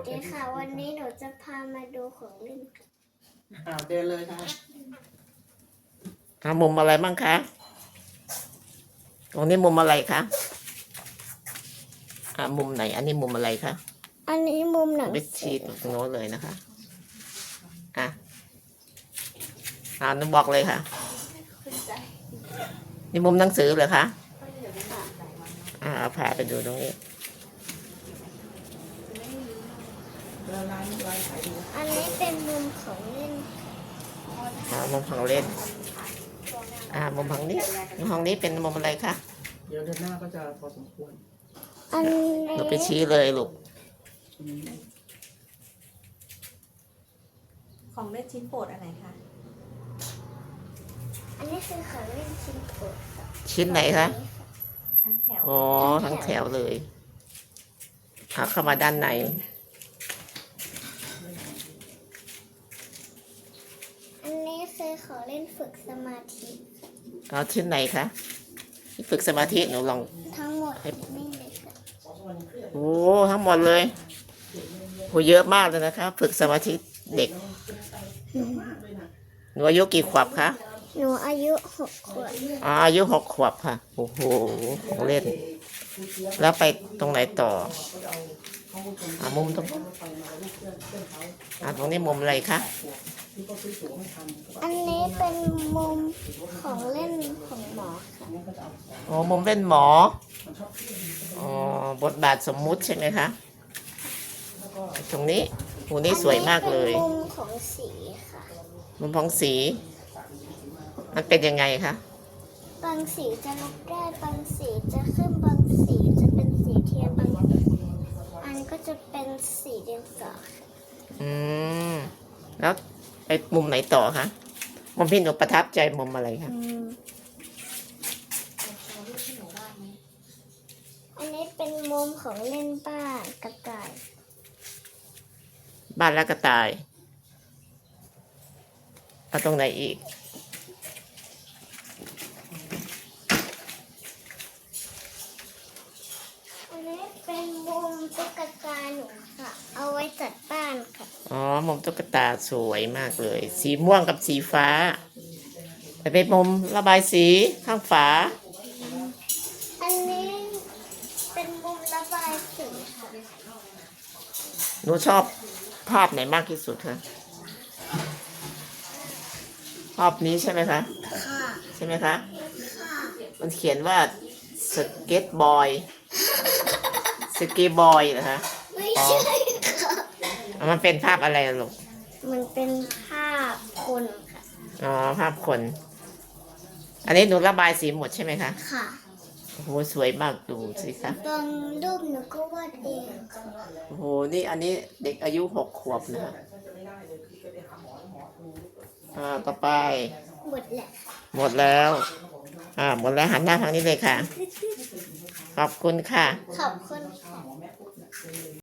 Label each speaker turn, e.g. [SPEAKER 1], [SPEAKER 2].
[SPEAKER 1] ดีค่ะวันนี้หนูจะพามาดูของเล่นค่ะ
[SPEAKER 2] เดินเลยค่ะมุมอะไรบ้างคะตรงนี้มุมอะไรคะมุมไหนอันนี้มุมอะไรคะ
[SPEAKER 1] อันนี้มุมหนัง
[SPEAKER 2] ไปชี้ตรงโน้นเลยนะคะนึกบอกเลยค่ะนี่มุมหนังสือเหรอคะพาไปดูตรงนี้
[SPEAKER 1] อันนี้เป็นมุมของเล่น
[SPEAKER 2] มุมของเล่นมุมของนี้มุมของนี้เป็นมุมอะไรคะ
[SPEAKER 3] เดี๋ยวเดือนหน้าก็จะพอสมควร
[SPEAKER 1] อันนี้
[SPEAKER 2] เราไปชี้เลยลูก
[SPEAKER 4] ของเล่นชิ้นโปรดอะไรคะ
[SPEAKER 1] อันนี้คือของเล่นชิ้นโปรด
[SPEAKER 2] ชิ้นไหนคะ
[SPEAKER 4] ทั้งแถว
[SPEAKER 2] ทั้งแถวเลยเข้ามาด้านใน
[SPEAKER 1] อันนี้คือของเล่นฝึกสมาธิ
[SPEAKER 2] ชิ้นไหนคะฝึกสมาธิหนูลอง
[SPEAKER 1] ทั้งหมดนี่เลยค่ะ
[SPEAKER 2] ทั้งหมดเลยเยอะมากเลยนะคะฝึกสมาธิเด็กหนูอายุกี่ขวบคะ
[SPEAKER 1] หนูอายุ6 ขวบ
[SPEAKER 2] อายุ6 ขวบค่ะโอ้โหของเล่นแล้วไปตรงไหนต่อมุมตรงตรงนี้มุมอะไรคะ
[SPEAKER 1] อันนี้เป็นมุมของเล่นของหมอค่ะ
[SPEAKER 2] มุมเป็นหมอบทบาทสมมุติใช่ไหมคะตรงนี้นี่สวยมากเลย
[SPEAKER 1] มุมของสีค่ะ
[SPEAKER 2] มุมของสีมันเป็นยังไงคะ
[SPEAKER 1] บางสีจะลบได้บางสีจะขึ้นบางสีจะเป็นสีเทียนบางอันก็จะเป็นสีเดียวกัน
[SPEAKER 2] แล้วไปมุมไหนต่อคะมุมพี่หนูประทับใจมุมอะไรคะ
[SPEAKER 1] อันนี้เป็นมุมของเล่นบ้านกระต่าย
[SPEAKER 2] บ้านและกระต่ายตรงไหนอีก
[SPEAKER 1] อันนี้เป็นมุมตุ๊กตาหนูค่ะเอาไว้จัดบ้านค่ะ
[SPEAKER 2] มุมตุ๊กตาสวยมากเลยสีม่วงกับสีฟ้าแต่เป็นมุมระบายสีข้างฝา
[SPEAKER 1] อันนี้เป็นมุมระบายสีค่ะ
[SPEAKER 2] หนูชอบภาพไหนมากที่สุดคะภาพนี้ใช่ไหมคะใช่ไหมคะมันเขียนว่าสเก็ตบอยเหรอคะ
[SPEAKER 1] ไม่ใช่ค่ะ
[SPEAKER 2] มันเป็นภาพอะไรลูก
[SPEAKER 1] มันเป็นภาพคนค่ะ
[SPEAKER 2] ภาพคนอันนี้หนูระบายสีหมดใช่ไหมคะ
[SPEAKER 1] ค่ะ
[SPEAKER 2] โอ้โหสวยมากดูสิคะ
[SPEAKER 1] บางรูปหนูก็วาดเอง
[SPEAKER 2] โอ้โหนี่อันนี้เด็กอายุ6 ขวบนะคะต่อไป
[SPEAKER 1] หมดแล้ว
[SPEAKER 2] หมดแล้วหมดแล้วหันหน้าทางนี้เลยค่ะขอบคุณค่ะ
[SPEAKER 1] ขอบคุณค่ะ